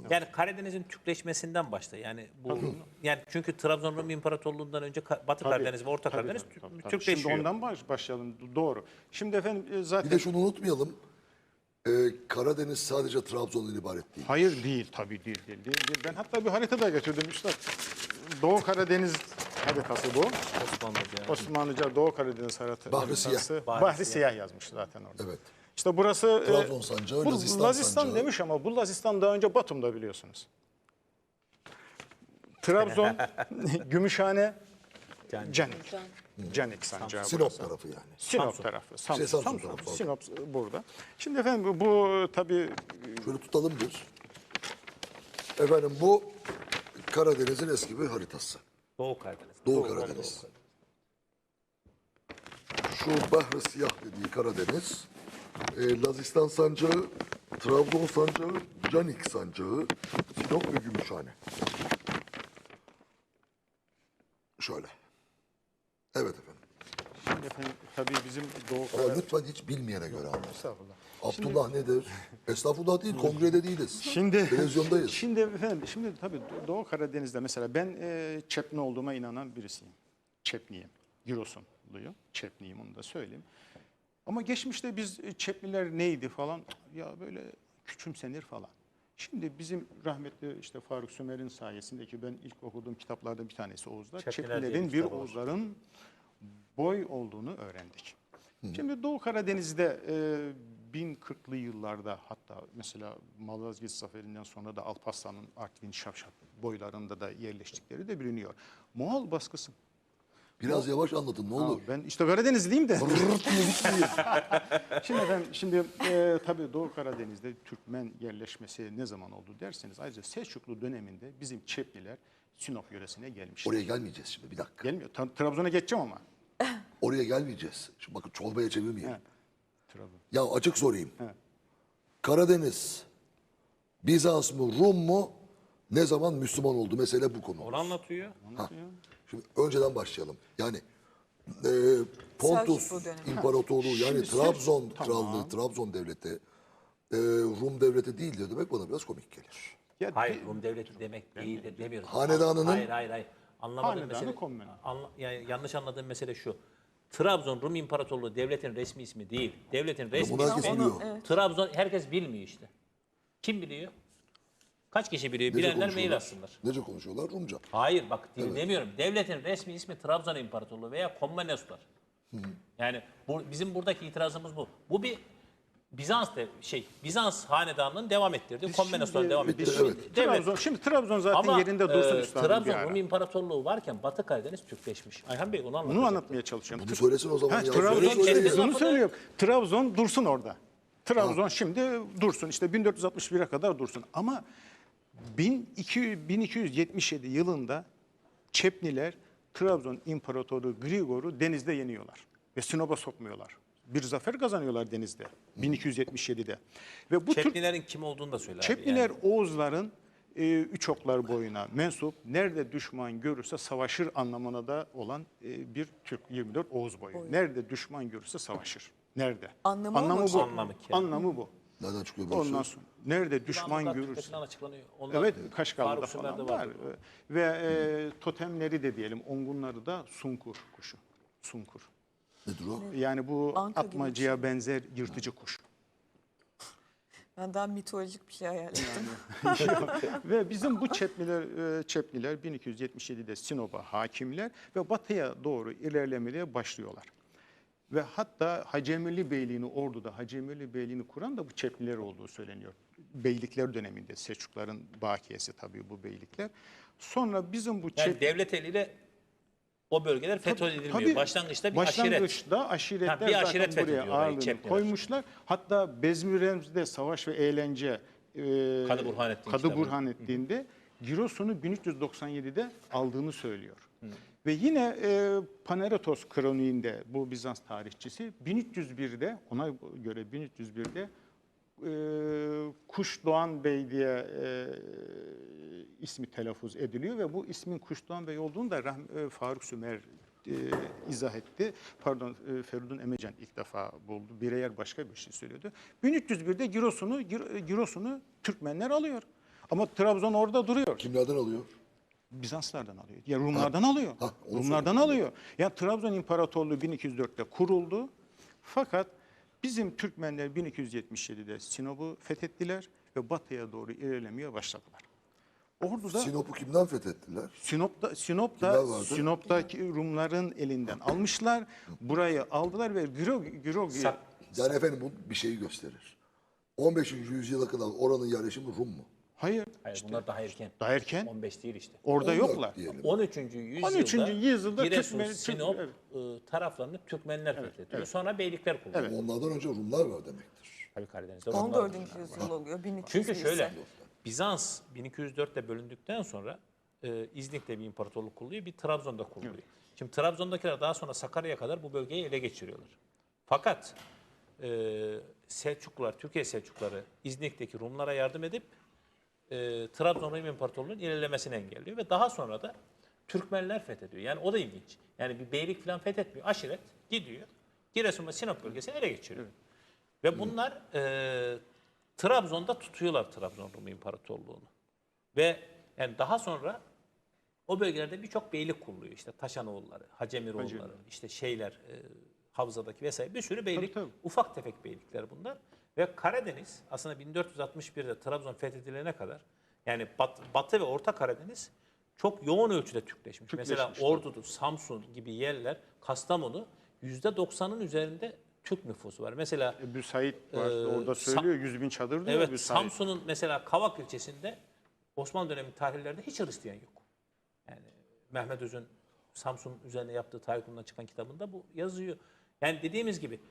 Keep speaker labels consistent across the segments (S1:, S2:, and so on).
S1: Yani Karadeniz'in Türkleşmesinden başta. Yani bu yani çünkü Trabzon Rum İmparatorluğu'ndan önce Batı Karadeniz ve Orta Karadeniz Türkleşiyor.
S2: Şimdi ondan başlayalım. Doğru. Şimdi efendim
S3: Bir
S2: zaten...
S3: de şunu unutmayalım. Karadeniz sadece Trabzon'dan ibaret değil.
S2: Hayır değil, tabii değil. Ben hatta bir harita da getirdim üstad. Doğu Karadeniz haritası bu. Osmanlıca Doğu Karadeniz haritası.
S3: Bahri Siyah.
S2: Bahri Siyah yazmış zaten orada.
S3: Evet.
S2: İşte burası
S3: Trabzon sancağı,
S2: bu
S3: Lazistan sancağı.
S2: demiş ama bu Lazistan daha önce Batum'da biliyorsunuz. Trabzon, Gümüşhane, Canik sancağı
S3: Sinop
S2: burası.
S3: tarafı yani.
S2: Sinop tarafı.
S3: Samsun
S2: Samsun.
S3: tarafı.
S2: Sinop burada. Şimdi efendim bu tabii
S3: Şöyle tutalım bir. Efendim bu Karadeniz'in eski bir haritası.
S1: Doğu Karadeniz.
S3: Doğu Karadeniz. Şu Bahri Siyah dediği Karadeniz, Lazistan sancağı, Trabzon sancağı, Canik sancağı, Sinop ve Gümüşhane. Şöyle. Evet efendim.
S2: Şimdi efendim tabii bizim Doğu
S3: Ama
S2: Karadeniz...
S3: lütfen hiç bilmeyene göre anlatın.
S2: Estağfurullah.
S3: Abdullah nedir? Estağfurullah değil, kongrede değiliz.
S2: Şimdi
S3: Televizyondayız.
S2: Şimdi efendim, şimdi tabii Doğu Karadeniz'de mesela ben Çepni olduğuma inanan birisiyim. Çepniyim. Giresunluyum. Çepniyim, onu da söyleyeyim. Ama geçmişte biz Çepliler neydi falan ya böyle küçümsenir falan. Şimdi bizim rahmetli işte Faruk Sümer'in sayesinde ki ben ilk okuduğum kitaplardan bir tanesi Oğuzlar.
S1: Çepliler diye
S2: Çeplilerin
S1: bir
S2: bir
S1: kitabı var.
S2: Oğuzların boy olduğunu öğrendik. Şimdi Doğu Karadeniz'de 1040'lı yıllarda hatta mesela Malazgirt Zaferi'nden sonra da Alparslan'ın Artvin Şavşat boylarında da yerleştikleri de biliniyor. Moğol baskısı.
S3: Biraz yavaş anlatın ne olur.
S2: Ben işte Karadenizliyim de.
S3: Rırt diye gitmeyin.
S2: Şimdi tabii Doğu Karadeniz'de Türkmen yerleşmesi ne zaman oldu derseniz ayrıca Selçuklu döneminde bizim Çepliler Sinop yöresine gelmişler.
S3: Oraya gelmeyeceğiz şimdi bir dakika.
S2: Gelmiyor. Trabzon'a geçeceğim ama.
S3: Oraya gelmeyeceğiz. Şimdi bakın çorbaya çevirmeyin.
S2: He. Trabzon.
S3: Ya açık sorayım.
S2: He.
S3: Karadeniz, Bizans mı, Rum mu ne zaman Müslüman oldu? Mesele bu konu.
S1: Onu anlatıyor.
S3: Şimdi önceden başlayalım. Yani Pontus
S4: Selçuklu dönemi.
S3: İmparatorluğu yani
S2: Şimdi
S3: Trabzon
S2: Tamam.
S3: Krallığı, Trabzon Devleti Rum Devleti değildir demek bana biraz komik gelir.
S2: Ya,
S1: Hayır, Rum devleti demek değil de demiyoruz.
S3: Hanedanının-
S1: Hayır. Anlamadığım
S2: Hanedanı
S1: mesele,
S2: komün.
S1: yani yanlış anladığım mesele şu. Trabzon Rum İmparatorluğu devletin resmi ismi değil. Devletin resmi
S3: bunu herkes
S1: ismi
S3: biliyor.
S1: Trabzon, herkes bilmiyor işte. Kim biliyor? Kaç kişi biliyor?
S3: Nece
S1: Bilenler mail
S3: konuşuyorlar?
S1: atsınlar.
S3: Nece konuşuyorlar? Rumca.
S1: Hayır bak demiyorum. Devletin resmi ismi Trabzon İmparatorluğu veya Komnenoslar. Yani bizim buradaki itirazımız bu. Bu bir Bizans hanedanının devam ettirdiği Komnenoslar devam
S3: bitti,
S1: ettirdiği
S3: evet.
S1: devlet.
S2: Şimdi Trabzon zaten
S1: Ama
S2: yerinde dursun üstadım bir
S1: Trabzon
S2: ara.
S1: Rum İmparatorluğu varken Batı Karadeniz Türkleşmiş. Ayhan Bey onu anlatacak.
S2: Bunu anlatmaya çalışıyorum.
S3: Bunu söylesin o zaman. Ya.
S2: Trabzon,
S3: Söyle, söyle.
S1: Kendi-
S2: bunu söylüyorum. Trabzon dursun orada. Trabzon şimdi dursun. İşte 1461'e kadar dursun. Ama 1277 yılında Çepliler Trabzon İmparatoru Grigor'u denizde yeniyorlar. Ve Sinop'a sokmuyorlar. Bir zafer kazanıyorlar denizde 1277'de. Ve bu
S1: Çeplilerin kim olduğunu da söyle abi.
S2: Çepliler
S1: Yani.
S2: Oğuzların üç oklar boyuna mensup, nerede düşman görürse savaşır anlamına da olan bir Türk 24 Oğuz boyu. Nerede düşman görürse savaşır. Nerede?
S4: Anlamı mı?
S2: bu.
S1: Anlamı ki.
S2: Anlamı bu.
S3: Nereden çıkıyor bu
S2: Ondan
S3: söz?
S2: sonra nerede düşman
S1: Yılanlıklar
S2: görürse.
S1: Türkçesinden açıklanıyor. Onlar
S2: Evet, Kaşgarlı'da
S1: Faruk Sümer'de
S2: falan var.
S1: vardı.
S2: Ve totemleri de diyelim, ongunları da sunkur kuşu. Sunkur.
S3: Nedir o?
S2: Yani bu
S4: Anka gibi bir
S2: atmacıya benzer yırtıcı kuş.
S4: Ben daha mitolojik bir şey hayal ettim.
S2: Ve bizim bu Çepliler 1277'de Sinop'a hakimler ve batıya doğru ilerlemeye başlıyorlar. Ve hatta Hacemeli Beyliğini orduda Hacemeli Beyliğini kuran da bu Çepliler olduğu söyleniyor. Beylikler döneminde Selçukların bakiyesi tabii bu beylikler. Sonra bizim bu
S1: Yani devlet eliyle o bölgeler fethedilmiyor.
S2: Tabii,
S1: Başlangıçta bir
S2: başlangıçta aşiretler
S1: bir aşiret
S2: zaten buraya
S1: fethediyor orayı,
S2: ağırlığını
S1: Çepliler.
S2: koymuşlar. Hatta Bezmirem'de savaş ve eğlence
S1: Kadı Burhanettin
S2: Kadı
S1: kitabı.
S2: Burhanettin'de Giresun'u 1397'de aldığını söylüyor. Ve yine Paneretos kroniğinde bu Bizans tarihçisi 1301'de ona göre 1301'de Kuşdoğan Bey diye ismi telaffuz ediliyor ve bu ismin Kuşdoğan Bey olduğunu da Faruk Sümer izah etti. Pardon, Feridun Emecan ilk defa buldu. Bireyer başka bir şey söylüyordu. 1301'de Giresun'u Türkmenler alıyor. Ama Trabzon orada duruyor.
S3: Kimlerden alıyor?
S2: Bizanslardan alıyor. Ya Rumlardan alıyor.
S3: onu
S2: Rumlardan
S3: söyleyeyim.
S2: alıyor. Ya Trabzon İmparatorluğu 1204'te kuruldu. Fakat bizim Türkmenler 1277'de Sinop'u fethettiler ve batıya doğru ilerlemeye başladılar. Ordu'da
S3: Sinop'u kimden fethettiler?
S2: Sinop'ta
S3: Kimler vardı?
S2: Sinop'taki Rumların elinden almışlar. Burayı aldılar ve
S3: Yani efendim bu bir şeyi gösterir. 15. yüzyıla kadar oranın yerleşimi Rum mu?
S2: hayır,
S1: Hayır, bunlar daha erken.
S2: daha erken
S1: 15 değil işte.
S2: orada
S3: 14
S2: yoklar.
S3: diyelim.
S1: 13. yüzyılda,
S2: 13. yüzyılda
S1: Giresun,
S2: Türkmen-
S1: Sinop
S2: evet.
S1: taraflarını Türkmenler fethediyor. Sonra beylikler kuruluyor.
S3: Onlardan önce Rumlar var demektir.
S1: Tabii Karadeniz'de Rumlar
S4: 14.
S1: var.
S4: yüzyıl oluyor. 1200
S1: Çünkü
S4: ise.
S1: şöyle, Bizans 1204'te bölündükten sonra İznik'te bir imparatorluk kuruluyor, bir Trabzon'da kuruluyor. Şimdi Trabzon'dakiler daha sonra Sakarya'ya kadar bu bölgeyi ele geçiriyorlar. Fakat Selçuklular, Türkiye Selçukluları İznik'teki Rumlara yardım edip Trabzon Rum İmparatorluğu'nun ilerlemesini engelliyor ve daha sonra da Türkmenler fethediyor. Yani o da ilginç. Yani bir beylik falan fethetmiyor. Aşiret gidiyor. Giresun ve Sinop bölgesini ele geçiriyor. Ve bunlar Trabzon'da tutuyorlar Trabzon Rum İmparatorluğu'nu. Ve yani daha sonra o bölgelerde birçok beylik kuruluyor. İşte Taşanoğulları, Hacemiroğulları, işte Havza'daki vesaire bir sürü beylik,
S2: Tabii.
S1: ufak tefek beylikler bunlar. Ve Karadeniz aslında 1461'de Trabzon fethedilene kadar yani Batı ve Orta Karadeniz çok yoğun ölçüde Türkleşmiş. Mesela Ordu, Samsun gibi yerler, Kastamonu %90'ın üzerinde Türk nüfusu var. Mesela
S2: Büsait var orada söylüyor 100.000 çadır diyor
S1: evet,
S2: Büsait.
S1: Samsun'un mesela Kavak ilçesinde Osmanlı dönemi tarihlerinde hiç Hristiyan yok. Yani Mehmet Öz'ün Samsun üzerine yaptığı tarih konusundan çıkan kitabında bu yazıyor. Yani dediğimiz gibi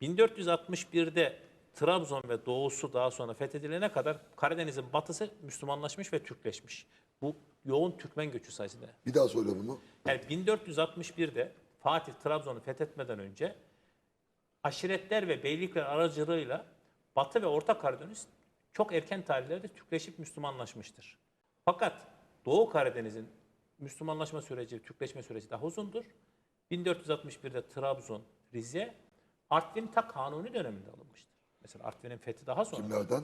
S1: 1461'de Trabzon ve doğusu daha sonra fethedilene kadar Karadeniz'in batısı Müslümanlaşmış ve Türkleşmiş. Bu yoğun Türkmen göçü sayesinde.
S3: Bir daha söyle bunu.
S1: Yani 1461'de Fatih Trabzon'u fethetmeden önce aşiretler ve beylikler aracılığıyla Batı ve Orta Karadeniz çok erken tarihlerde Türkleşip Müslümanlaşmıştır. Fakat Doğu Karadeniz'in Müslümanlaşma süreci, Türkleşme süreci daha uzundur. 1461'de Trabzon, Rize, Artvin ta Kanuni döneminde alınmıştır. Mesela Artvin'in fethi daha sonra.
S3: Kimlerden?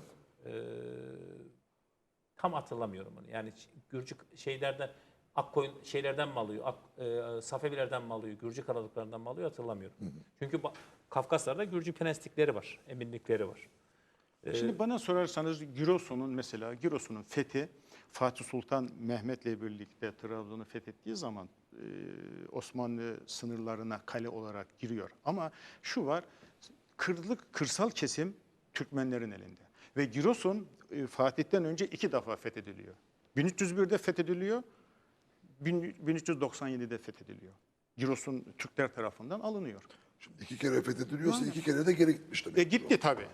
S1: Tam hatırlamıyorum onu. Yani Gürcü şeylerden, Akkoyun şeylerden mi alıyor, Safevilerden mi alıyor, Gürcü krallıklarından mı alıyor hatırlamıyorum. Çünkü Kafkaslar'da Gürcü prenslikleri var, eminlikleri var.
S2: Şimdi bana sorarsanız Giresun'un fethi Fatih Sultan Mehmet'le birlikte Trabzon'u fethettiği zaman Osmanlı sınırlarına kale olarak giriyor. Ama şu var, kırsal kesim Türkmenlerin elinde. Ve Giresun Fatih'ten önce 2 defa fethediliyor. 1301'de fethediliyor, 1397'de fethediliyor. Giresun Türkler tarafından alınıyor.
S3: Şimdi 2 kere fethediliyorsa 2 kere de geri gitmiş demek.
S2: Gitti tabii.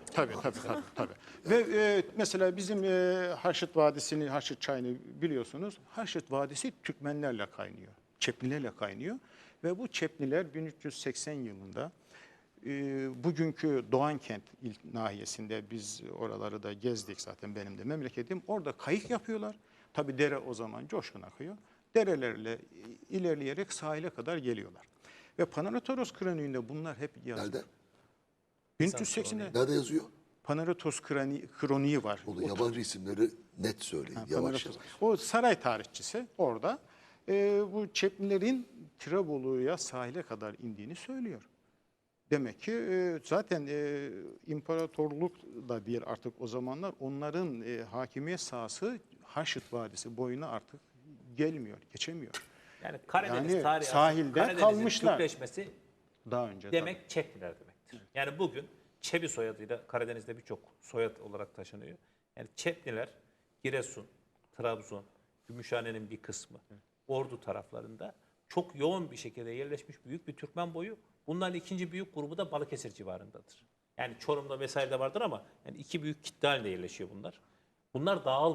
S2: Ve mesela bizim Haşit Vadisi'ni, Haşit Çayı'nı biliyorsunuz. Haşit Vadisi Türkmenlerle kaynıyor. Çeplilerle kaynıyor. Ve bu Çepliler 1380 yılında bugünkü Doğankent nahiyesinde biz oraları da gezdik zaten benim de memleketim. Orada kayık yapıyorlar. Tabii dere o zaman coşkun akıyor. Derelerle ilerleyerek sahile kadar geliyorlar. Ve Panaratoros kroniğinde bunlar hep yazıyor.
S3: Nerede?
S2: 1380'de
S3: Nerede yazıyor?
S2: Panaratos kroniği var.
S3: O da yabancı isimleri net söyleyin. Yavaş yavaş.
S2: O saray tarihçisi orada bu Çeplilerin Tirebolu'ya sahile kadar indiğini söylüyor. Demek ki zaten imparatorluk da değil artık o zamanlar onların hakimiyet sahası Haşit Vadisi boyuna artık gelmiyor, geçemiyor.
S1: Yani Karadeniz
S2: Yani
S1: tarihi
S2: sahilde
S1: Karadeniz'in
S2: kalmışlar.
S1: Türkleşmesi
S2: Daha önce
S1: demek Çepliler demektir. Yani bugün Çebi soyadıyla Karadeniz'de birçok soyad olarak taşınıyor. Yani Çepliler Giresun, Trabzon, Gümüşhane'nin bir kısmı, Ordu taraflarında çok yoğun bir şekilde yerleşmiş büyük bir Türkmen boyu. Bunların ikinci büyük grubu da Balıkesir civarındadır. Yani Çorum'da vesaire de vardır ama yani 2 büyük kitle halinde yerleşiyor bunlar. Bunlar dağılmıyor.